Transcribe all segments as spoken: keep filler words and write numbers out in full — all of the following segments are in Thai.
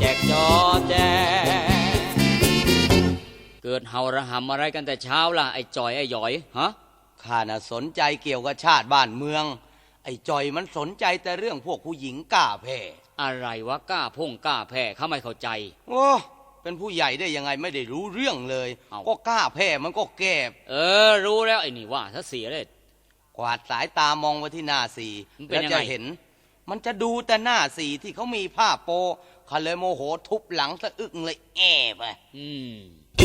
แจกจอแจเกิดเห่าระหำอะไรกันแต่เช้าล่ะไอ้จอยไอ้หยอยฮะข้าน่ะสนใจเกี่ยวกับชาติบ้านเมืองไอ้จอยมันสนใจแต่เรื่องพวกผู้หญิงกล้าแพ้อะไรวะกล้าพ่งกล้าแพ้เขาไม่เข้าใจโอ้เป็นผู้ใหญ่ได้ยังไงไม่ได้รู้เรื่องเลยก็กล้าแพ้มันก็แก้เออรู้แล้วไอ้นี่ว่าถ้าเสียเลยกวาดสายตามองไปที่หน้าสีแล้วจะเห็นมันจะดูแต่หน้าสีที่เขามีผ้าโปเขาเลยโมโหทุบหลังสะอึกเลยแอบไปอืม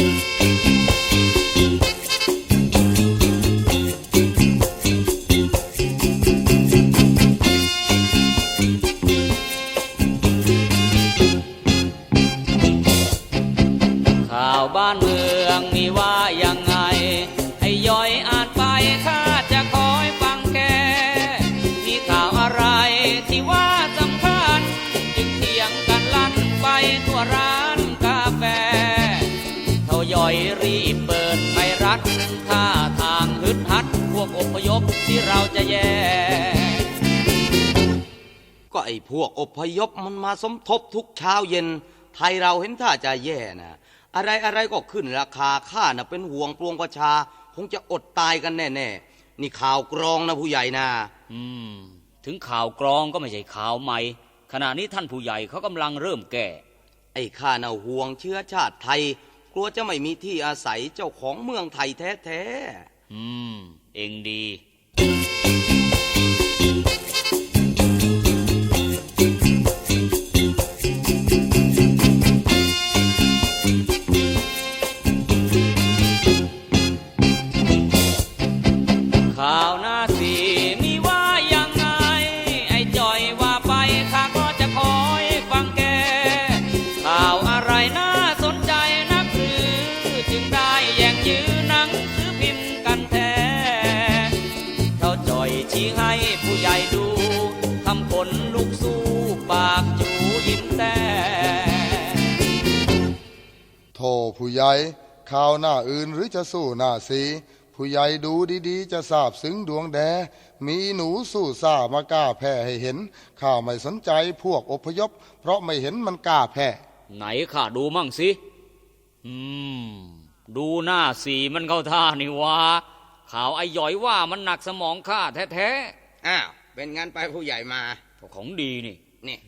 ข่าวบ้านเมืองมีว่ายังไงให้ย่อยอ่านไปข้าจะคอยฟังแกมีข่าวอะไรที่ว่าสำคัญจึงเถียงกันลั่นไปทั่วร้านกาแฟเท่าย่อยรีบเปิดไทยรัฐท่าทางฮึดฮัดพวกอพยพที่เราจะแย่ก็ไอ้พวกอพยพมันมาสมทบทุกเช้าเย็นไทยเราเห็นท่าจะแย่นะอะไรอะไรก็ขึ้นราคาข้าน่ะเป็นห่วงปวงประชาคงจะอดตายกันแน่ๆนี่ข่าวกรองนะผู้ใหญ่นะอืมถึงข่าวกรองก็ไม่ใช่ข่าวใหม่ขณะนี้ท่านผู้ใหญ่เขากำลังเริ่มแก่ไอ้ข้าน่ะห่วงเชื้อชาติไทยกลัวจะไม่มีที่อาศัยเจ้าของเมืองไทยแท้ๆอืมเองดีข่าวหน้าสีมีว่ายังไงไอ้จอยว่าไปข้าก็จะคอยฟังแกข่าวอะไรน่าสนใจนักหรือจึงได้แย่งยื้อหนังสือพิมพ์กันแท้เท่าจอยชี้ให้ผู้ใหญ่ดูทำคนลุกสู้ปากจูยิ้มแต่โธ่ผู้ใหญ่ข่าวหน้าอื่นหรือจะสู้หน้าสีผู้ใหญ่ดูดีๆจะทราบซึ้งดวงแดมีหนูสู้ซ่ามากล้าแพ้ให้เห็นข้าไม่สนใจพวกอพยพเพราะไม่เห็นมันกล้าแพ้ไหนข้าดูมั่งสิอืมดูหน้าสีมันเข้าท่านี่วะข่าวไอ้หยอยว่ามันหนักสมองข้าแท้ๆอ้าวเป็นงั้นไปผู้ใหญ่มาของดีนี่นี่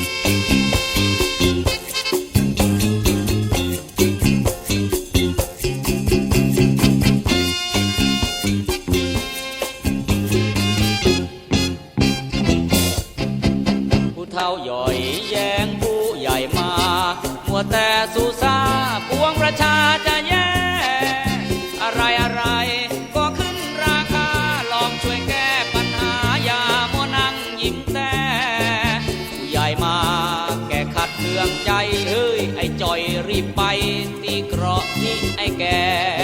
เท่าย่อยแย่งผู้ใหญ่มามัวแต่สู้ซาปวงประชาจะแย่อะไรอะไรก็ขึ้นราคาลองช่วยแก้ปัญหาอย่ามัวนั่งยิ้มแต่ผู้ใหญ่มาแก้ขัดเคืองใจเฮ้ยไอ้จอยรีบไปตีเกราะนี่ไอ้แก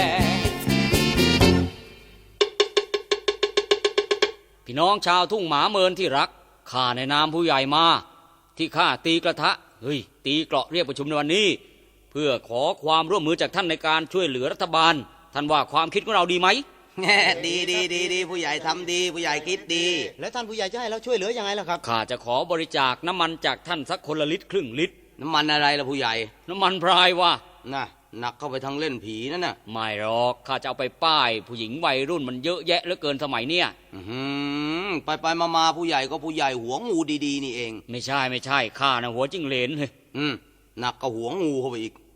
พี่น้องชาวทุ่งหมาเมินที่รักข้าในนามผู้ใหญ่มาที่ข้าตีกระทะเฮ้ยตีเกราะเรียกประชุมในวันนี้เพื่อขอความร่วมมือจากท่านในการช่วยเหลือรัฐบาลท่านว่าความคิดของเราดีไหมดีดีดีดีผู้ใหญ่ทำดีผู้ใหญ่คิดดีแล้วท่านผู้ใหญ่จะให้เราช่วยเหลือยังไงล่ะครับข้าจะขอบริจาคน้ำมันจากท่านสักคนละลิตรครึ่งลิตรน้ำมันอะไรล่ะผู้ใหญ่น้ำมันพรายวะน่ะหนักเข้าไปทางเล่นผีนั่นน่ะไม่หรอกข้าจะเอาไปป้ายผู้หญิงวัยรุ่นมันเยอะแยะเหลือเกินสมัยเนี้ยไปไปมามาผู้ใหญ่ก็ผู้ใหญ่หัวงูดีๆนี่เองไม่ใช่ไม่ใช่ข้านะหัวจิ้งเหลนเลยอืมหนักก็หัวงูเข้าไปอีก